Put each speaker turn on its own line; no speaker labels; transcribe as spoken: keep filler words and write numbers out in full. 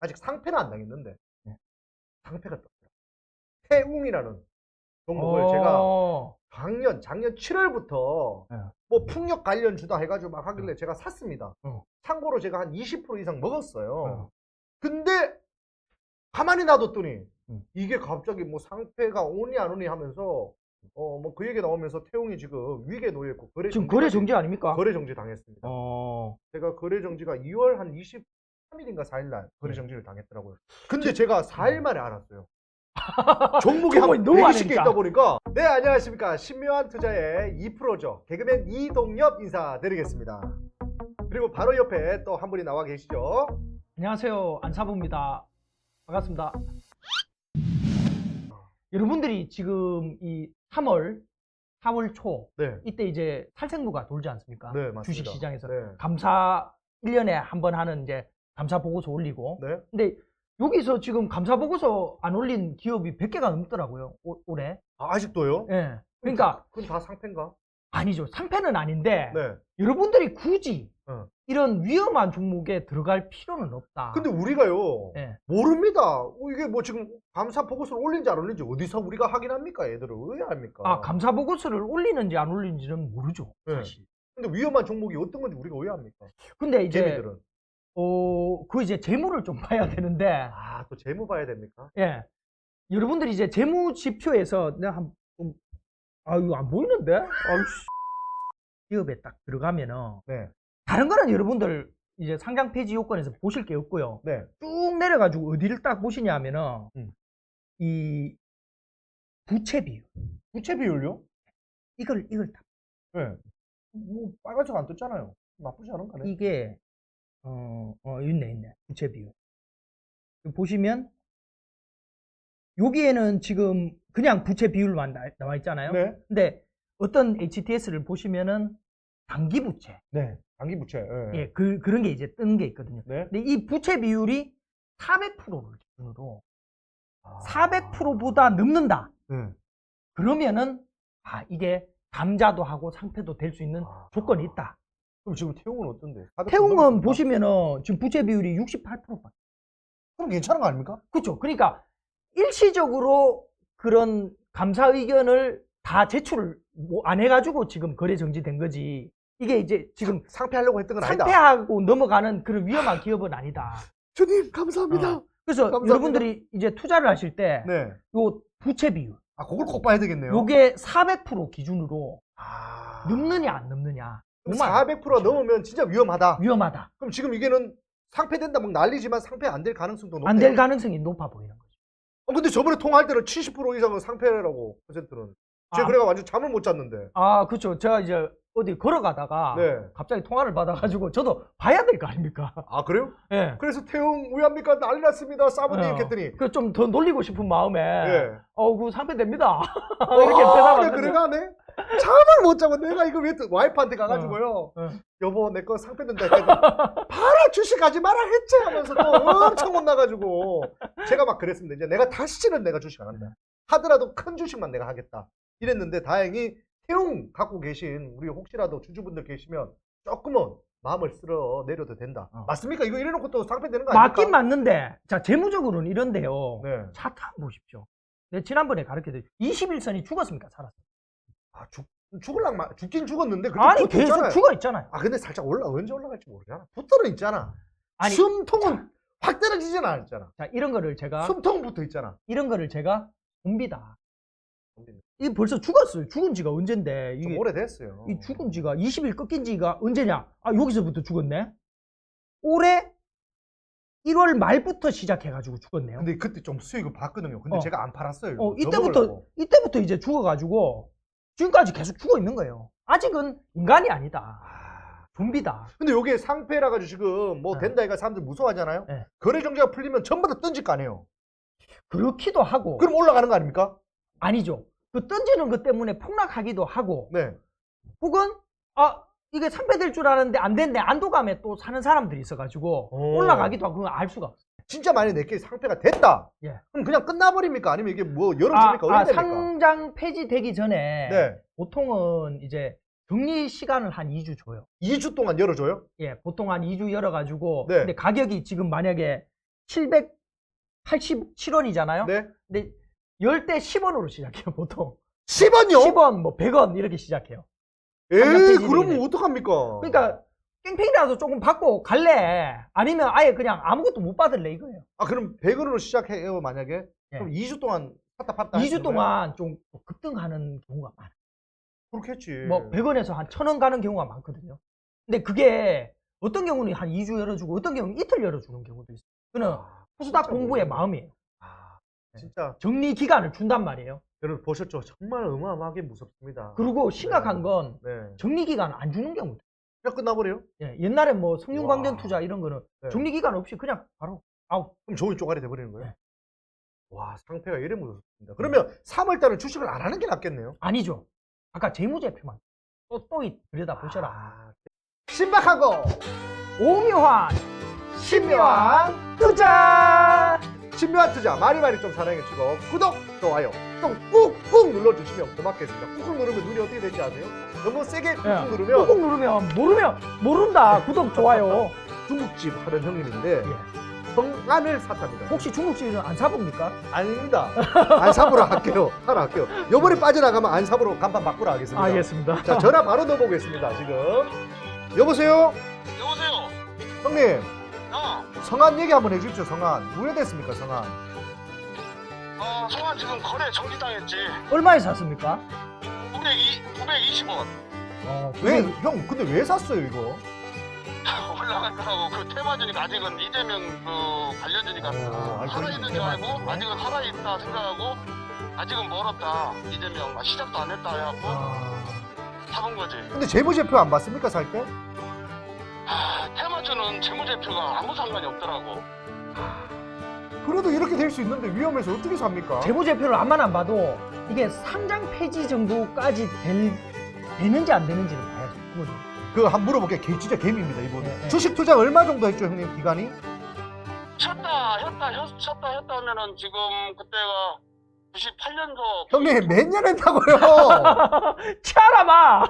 아직 상패는 안 당했는데
네.
상패가 떴어요. 태웅이라는 종목을 제가
어.
작년 작년 칠월부터
네.
뭐 풍력 관련 주다 해가지고 막 하길래 제가 샀습니다.
어.
참고로 제가 한 이십 퍼센트 이상 먹었어요.
어.
근데 가만히 놔뒀더니
음.
이게 갑자기 뭐 상패가 오니 안 오니 하면서 어 뭐 그 얘기 나오면서 태웅이 지금 위기에 놓여 있고 거래
지금
정지
거래 정지 아닙니까?
거래 정지 당했습니다.
어.
제가 거래 정지가 이월 한 이십삼 일인가 사 일 날 거래
네.
정지를 당했더라고요. 근데 제가 사 일 만에 알았어요. 종목이
종목이
한
너무
백이십 개
많으니까.
있다 보니까. 네, 안녕하십니까. 신묘한 투자의 이 프로죠. 개그맨 이동엽 인사드리겠습니다. 그리고 바로 옆에 또 한 분이 나와 계시죠.
안녕하세요. 안사부입니다. 반갑습니다. 여러분들이 지금 이 삼월, 사월 초
네.
이때 이제 탈생루가 돌지 않습니까?
네, 맞습니다.
주식 시장에서
네.
감사 일 년에 한 번 하는 이제 감사 보고서 올리고.
네.
근데 여기서 지금 감사 보고서 안 올린 기업이 백 개가 넘더라고요. 올, 올해.
아, 아직도요?
예. 그러니까
그건 다 상패인가?
아니죠. 상패는 아닌데
네.
여러분들이 굳이
어.
이런 위험한 종목에 들어갈 필요는 없다.
근데 우리가요.
예.
모릅니다. 어, 이게 뭐 지금 감사 보고서를 올린지 안 올린지 어디서 우리가 확인합니까? 얘들을 왜 합니까?
아, 감사 보고서를 올리는지 안 올리는지는 모르죠.
네.
사실.
근데 위험한 종목이 어떤 건지 우리가 왜 합니까?
근데 이제
개미들은.
어, 그 이제 재무를 좀 봐야 되는데,
아, 또 재무 봐야 됩니까?
예. 여러분들이 이제 재무 지표에서 내가 한, 좀, 아, 이거 안 보이는데? 아이씨. 기업에 딱 들어가면은,
네.
다른 거는 여러분들 이제 상장 폐지 요건에서 보실 게 없고요.
네.
쭉 내려가지고 어디를 딱 보시냐 하면은,
음.
이 부채 비율.
부채 비율요?
이걸, 이걸 다.
네. 뭐 빨간색 안 떴잖아요. 나쁘지 않은 거네.
이게, 어, 어, 있네, 있네. 부채 비율. 보시면, 여기에는 지금 그냥 부채 비율만 나- 나와 있잖아요.
네.
근데 어떤 에이치티에스를 보시면은 단기 부채.
네. 단기 부채. 네.
예, 그, 그런 게 이제 뜨는 게 있거든요.
네.
근데 이 부채 비율이 사백 퍼센트를 기준으로
아.
사백 퍼센트보다 넘는다.
네.
그러면은, 아, 이게 감자도 하고 상패도 될 수 있는
아.
조건이 있다.
그럼 지금 태웅은 어떤데? 사백 퍼센트
태웅은
넘었습니까?
보시면은 지금 부채 비율이 육십팔 퍼센트.
그럼 괜찮은 거 아닙니까?
그렇죠. 그러니까 일시적으로 그런 감사 의견을 다 제출을 뭐 안 해가지고 지금 거래 정지된 거지. 이게 이제 지금
상패하려고 했던 건 아니다.
상패하고 넘어가는 그런 위험한 기업은 아니다.
주님 감사합니다.
어. 그래서
감사합니다.
여러분들이 이제 투자를 하실 때
네.
요 부채 비율,
아, 그걸 꼭 봐야 되겠네요.
요게 사백 퍼센트 기준으로
아.
넘느냐 안 넘느냐.
그럼
요만
사백 퍼센트 넘으면 진짜 위험하다.
위험하다.
그럼 지금 이게는 상패된다 막 난리지만 상패 안 될 가능성도 높네요.
안 될 가능성이 높아 보이는 거죠.
어, 근데 저번에 통화할 때는 칠십 퍼센트 이상은 상패라고 퍼센트는. 제가
아.
그래가 완전 잠을 못 잤는데.
아, 그렇죠. 제가 이제 어디 걸어가다가
네.
갑자기 통화를 받아가지고 저도 봐야 될 거 아닙니까?
아, 그래요?
예.
그래서 태웅 왜 합니까? 난리 났습니다. 사모님
어.
했더니.
그 좀 더 놀리고 싶은 마음에
예.
어, 그 상패 됩니다. 이렇게
아,
대답하는데.
그래 가네. 잠을 못 자고 내가 이거 왜 또 와이프한테 가가지고요.
어.
여보 내 거 상패 된다 했더니 봐라 주식 하지 마라 했지 하면서 또 엄청 혼나가지고 제가 막 그랬습니다. 이제 내가 다시는 내가 주식 안 한다. 하더라도 큰 주식만 내가 하겠다. 이랬는데 다행히 태웅 갖고 계신 우리 혹시라도 주주분들 계시면 조금은 마음을 쓸어 내려도 된다.
어.
맞습니까? 이거 이래놓고 또 상패 되는 거 아닙니까?
맞긴 맞는데, 자, 재무적으로는 이런데요.
네.
차트 한번 보십시오. 내가 지난번에 가르쳐드린 이십일 선이 죽었습니까? 살았어요.
아, 죽, 죽을랑 말, 죽긴 죽었는데 그래도
아니,
붙어
계속
있잖아요.
죽어 있잖아요.
아, 근데 살짝 올라, 언제 올라갈지 모르잖아. 붙어는 있잖아.
아니,
숨통은 확 떨어지진 않았잖아.
자, 이런 거를 제가,
숨통 붙어 있잖아.
이런 거를 제가 봅니다. 이게 벌써 죽었어요. 죽은 지가 언젠데.
좀
이게
오래됐어요.
이 죽은 지가 이십 일 꺾인 지가 언제냐? 아, 여기서부터 죽었네? 올해 일월 말부터 시작해가지고 죽었네요.
근데 그때 좀 수익을 봤거든요. 근데
어.
제가 안 팔았어요.
어,
더
이때부터,
먹으려고.
이때부터 이제 죽어가지고 지금까지 계속 죽어 있는 거예요. 아직은 인간이 아니다.
아,
좀비다.
근데 요게 상패라 가지고 지금 뭐
네.
된다 이가 사람들 무서워하잖아요.
네.
거래 정지가 풀리면 전부 다 던질 거 아니에요.
그렇기도 하고.
그럼 올라가는 거 아닙니까?
아니죠. 그 던지는 것 때문에 폭락하기도 하고.
네.
혹은, 아, 이게 상패될 줄 알았는데 안 됐네. 안도감에 또 사는 사람들이 있어가지고
오.
올라가기도 하고 그건 알 수가 없어요.
진짜 만약에 내게 상패가 됐다.
예.
그럼 그냥 끝나버립니까? 아니면 이게 뭐
아,
열어집니까?
아,
어떻게 됩니까?
상장 폐지되기 전에
네.
보통은 이제 격리 시간을 한 이 주 줘요.
이 주 동안 열어줘요?
예, 보통 한 이 주 열어가지고.
네.
근데 가격이 지금 만약에 칠백팔십칠 원이잖아요.
네.
근데 열 대 십 원으로 시작해요, 보통.
십 원요?
십 원, 뭐 백 원 이렇게 시작해요.
에이,
페이지
그러면
내기네.
어떡합니까?
그러니까 깽팽이라도 조금 받고 갈래? 아니면 아예 그냥 아무것도 못 받을래 이거예요.
아, 그럼 백 원으로 시작해요, 만약에?
예.
그럼 이 주 동안 샀다 팔다
이 주
하시는 거예요?
동안 좀 급등하는 경우가 많아요.
그렇겠지.
뭐 백 원에서 한 천 원 가는 경우가 많거든요. 근데 그게 어떤 경우는 한 이 주 열어주고 어떤 경우는 이틀 열어주는 경우도 있어요. 그는
아,
코스닥
진짜
공부의
모르겠네.
마음이에요.
아, 진짜.
정리 기간을 준단 말이에요.
여러분 보셨죠? 정말 어마어마하게 무섭습니다.
그리고 심각한
네.
건
네.
정리 기간 안 주는 경우도
그냥 끝나버려요?
예, 옛날에 뭐 성균관전
와.
투자 이런 거는
네.
정리 기간 없이 그냥 바로 아웃.
그럼 종이 쪼가리 돼버리는 거예요?
네.
와, 상태가 이래 무섭습니다. 그러면 삼월 달은 주식을 안 하는 게 낫겠네요?
아니죠. 아까 재무제표만 또, 또 들여다 보셔라.
아, 신박하고
오묘한 신묘한 투자.
신묘한 투자 많이 많이 좀 사랑해주고 구독, 좋아요 좀 꾹꾹 눌러주시면 고맙겠습니다. 꾹꾹 누르면 눈이 어떻게 되는지 아세요? 너무 세게 꾹꾹
예,
누르면
꾹꾹 누르면 모르면 모른다. 구독 좋아요.
중국집 하는 형님인데
예.
성안을 샀답니다.
혹시 중국집은 안 사봅니까?
아닙니다. 안삽으로 할게요. 하나 할게요. 요번에 빠져나가면 안삽으로 간판 바꾸라 하겠습니다.
알겠습니다.
자, 전화 바로 넣어보겠습니다. 지금 여보세요?
여보세요.
형님,
어,
성안 얘기 한번 해주십시오. 성안 우회됐습니까? 성안
어, 성환 지금 거래 정지당했지.
얼마에 샀습니까?
구백이, 구백이십 원
어,
왜? 형 근데 왜 샀어요 이거?
올라갔더라고. 그 테마주니까 아직은 이재명 그 관련주니까
어, 아니,
살아있는 줄 알고 아직은 살아있다 생각하고 아직은 멀었다. 이재명 아, 시작도 안 했다 해갖고
아,
사본 거지.
근데 재무제표 안 봤습니까 살 때?
아, 테마주는 재무제표가 아무 상관이 없더라고.
그래도 이렇게 될 수 있는데 위험해서 어떻게 삽니까?
재무제표를 안만 안 봐도 이게 상장 폐지 정도까지 될, 되는지 안 되는지를 봐야죠. 그거죠.
그거 한번 물어볼게요. 개, 진짜 개미입니다 이분.
네, 네.
주식 투자 얼마 정도 했죠 형님 기간이?
쉬었다, 쉬었다, 쉬었- 쉬었다, 쉬었다 하면은 지금 그때가 구십팔 년도
형님 몇 년 했다고요?
치아라마!